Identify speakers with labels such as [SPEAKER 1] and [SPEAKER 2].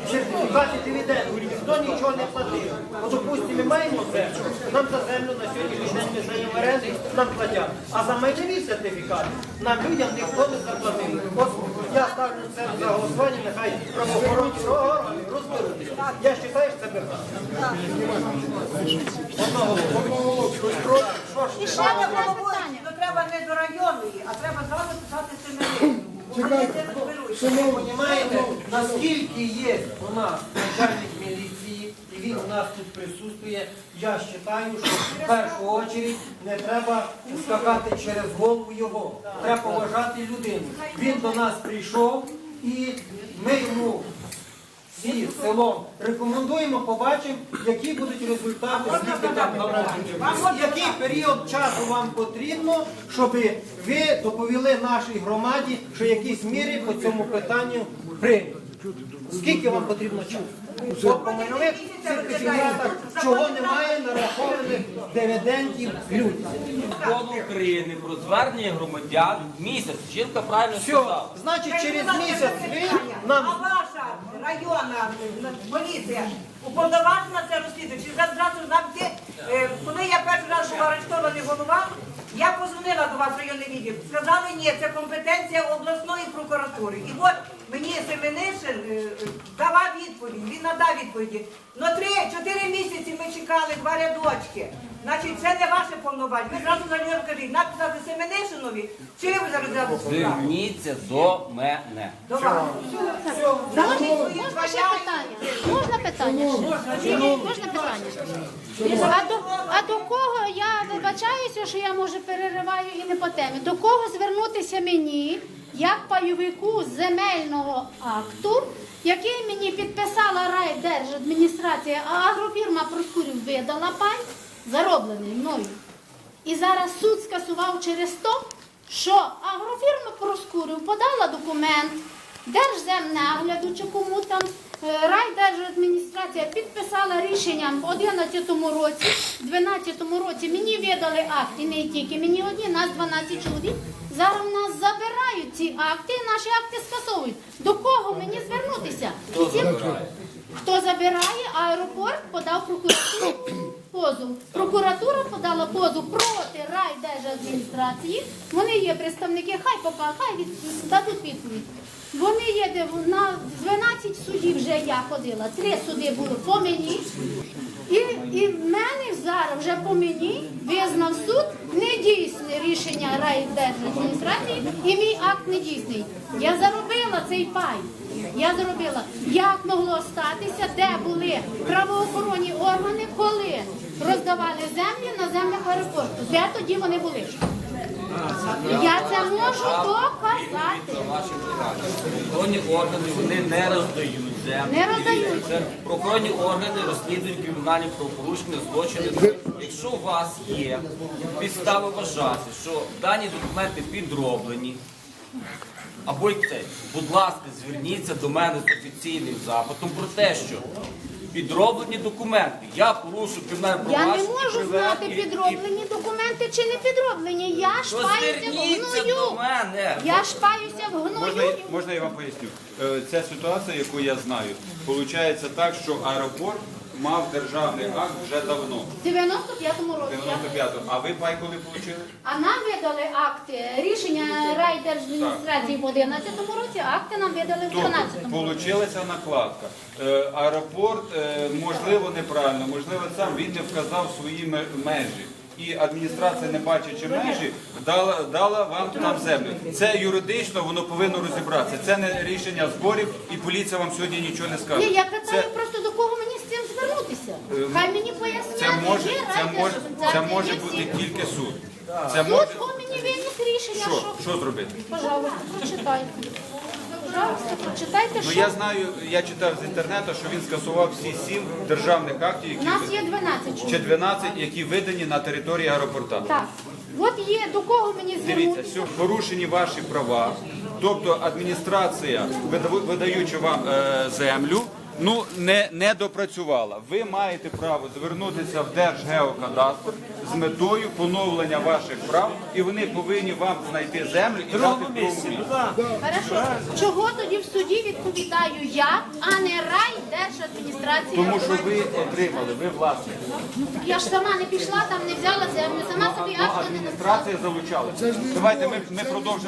[SPEAKER 1] сертифікати дивіденду, ніхто нічого не платив. От, допустимо, ми маємо землю, нам за землю на сьогоднішній день ми здаємо оренду, нам платять. А за майнові сертифікати нам людям ніхто не заплатив. От я ставлю це за голосування, нехай правоохоронні органи розберуться. Я вважаю, що це брехня.
[SPEAKER 2] І ще не головуючи, то треба не до районної, а треба зразу писати семинарію.
[SPEAKER 1] Ви розумієте, наскільки є у нас начальник міліції, і він у нас тут присутствує, я вважаю, що в першу чергу не треба скакати через голову його. Треба поважати людину. Він до нас прийшов і ми йому всі селом рекомендуємо, побачимо, які будуть результати, скільки там народжень. Який період часу вам потрібно, щоб ви доповіли нашій громаді, що якісь міри по цьому питанню прийняті. Скільки вам потрібно часу? От по майнових сертифікатах, чого немає нарахованих дивідендів людям.
[SPEAKER 3] Закону України про звернення громадян місяць. Жінка правильно
[SPEAKER 1] Все,
[SPEAKER 3] сказала.
[SPEAKER 1] значить через місяць ви нам...
[SPEAKER 2] А ваша районна поліція уповноважена це розслідувати? Чи зразу нам ті, коли я перший раз була арештований голова, я позвонила до вас в районний відділ. Сказали, ні, це компетенція обласної прокуратури. І от мені Семенишин давав відповідь, він надав відповіді. Но 3-4 місяці ми чекали 2 рядочки. Значить, це не ваше повноваження. Ви зразу на нього кажіть, написати Семенишинові, чи ви зараз справу?
[SPEAKER 3] Зверніться до мене.
[SPEAKER 2] До вас.
[SPEAKER 4] Можна ще питання? Можна питання? Можна питання? А до кого, я вибачаюся, що я, може, перериваю і не по темі, до кого звернутися мені, як пайовику земельного акту, який мені підписала райдержадміністрація, а агрофірма Проскурів видала пай, зароблений мною. І зараз суд скасував через те, що агрофірма Проскурів подала документ Держземнагляду чи кому там, райдержадміністрація підписала рішенням в 11-му році, в 12-му році мені видали акт, і не тільки мені одні, нас 12 чоловік. Зараз в нас забирають ці акти, і наші акти скасовують. До кого мені звернутися? Хто забирає? Аеропорт подав прокуратуру позов. Прокуратура подала позов проти райдержадміністрації. Вони є представники, хай дадуть відповідь. Вони є, на 12 судів вже я ходила, 3 суди були по мені. І в мене зараз вже по мені визнав суд недійсне рішення райдержадміністрації і мій акт недійсний. Я заробила цей пай. Я зробила. Як могло статися, де були правоохоронні органи, коли роздавали землі на землях аеропорту? Де тоді вони були? Я це можу доказати.
[SPEAKER 3] Правоохоронні органи вони не роздають землю.
[SPEAKER 4] Не роздають.
[SPEAKER 3] Це правоохоронні органи розслідують кримінальні правопорушення, злочини. Якщо у вас є підстави вважати, що дані документи підроблені, або й це, будь ласка, зверніться до мене з офіційним запитом про те, що підроблені документи. Я порушу кримінальне
[SPEAKER 4] Я
[SPEAKER 3] провадження.
[SPEAKER 4] не можу знати, підроблені документи чи не підроблені. Я шпаюся в
[SPEAKER 3] Зверніться до
[SPEAKER 4] гною.
[SPEAKER 3] мене.
[SPEAKER 4] Я шпаюся в гною.
[SPEAKER 5] Можна я вам поясню? Ця ситуація, яку я знаю, виходить так, що аеропорт мав державний акт вже давно,
[SPEAKER 4] В 95-му році.
[SPEAKER 5] 95-го. А ви пай коли отримали?
[SPEAKER 4] А нам видали акти, рішення райдержадміністрації в 11-му році, акти нам видали в 12-му році.
[SPEAKER 5] Получилася накладка. Аеропорт, можливо, неправильно, можливо, сам він не вказав свої межі. І адміністрація, не бачачи межі, дала вам там землю. Це юридично, воно повинно розібратися. Це не рішення зборів, і поліція вам сьогодні нічого не скаже.
[SPEAKER 4] Ні, я питаю просто, до кого мені з цим звернутися. Хай мені пояснять,
[SPEAKER 5] Це може бути тільки суд.
[SPEAKER 4] Суд мені виніс рішення,
[SPEAKER 5] Що зробити?
[SPEAKER 4] Пожалуйста, прочитайте. Пожалуйста, прочитайте,
[SPEAKER 5] Ну
[SPEAKER 4] що.
[SPEAKER 5] я знаю, я читав з інтернету, що він скасував всі 7 державних актів,
[SPEAKER 4] У нас є 12
[SPEAKER 5] чи 12, які видані на території аеропорта.
[SPEAKER 4] Так. От є, до кого мені
[SPEAKER 5] Дивіться,
[SPEAKER 4] звернутися.
[SPEAKER 5] все, порушені ваші права, тобто адміністрація, видаючи вам землю, ну, не допрацювала. Ви маєте право звернутися в Держгеокадастр з метою поновлення ваших прав, і вони повинні вам знайти землю і дати в місці.
[SPEAKER 4] Хорошо. Чого тоді в суді відповідаю я, а не райдержадміністрація?
[SPEAKER 5] Тому що ви отримали, ви власник.
[SPEAKER 4] Я ж сама не пішла, там не взяла землю, сама собі акти не написала.
[SPEAKER 5] Адміністрація залучала. Давайте ми продовжимо.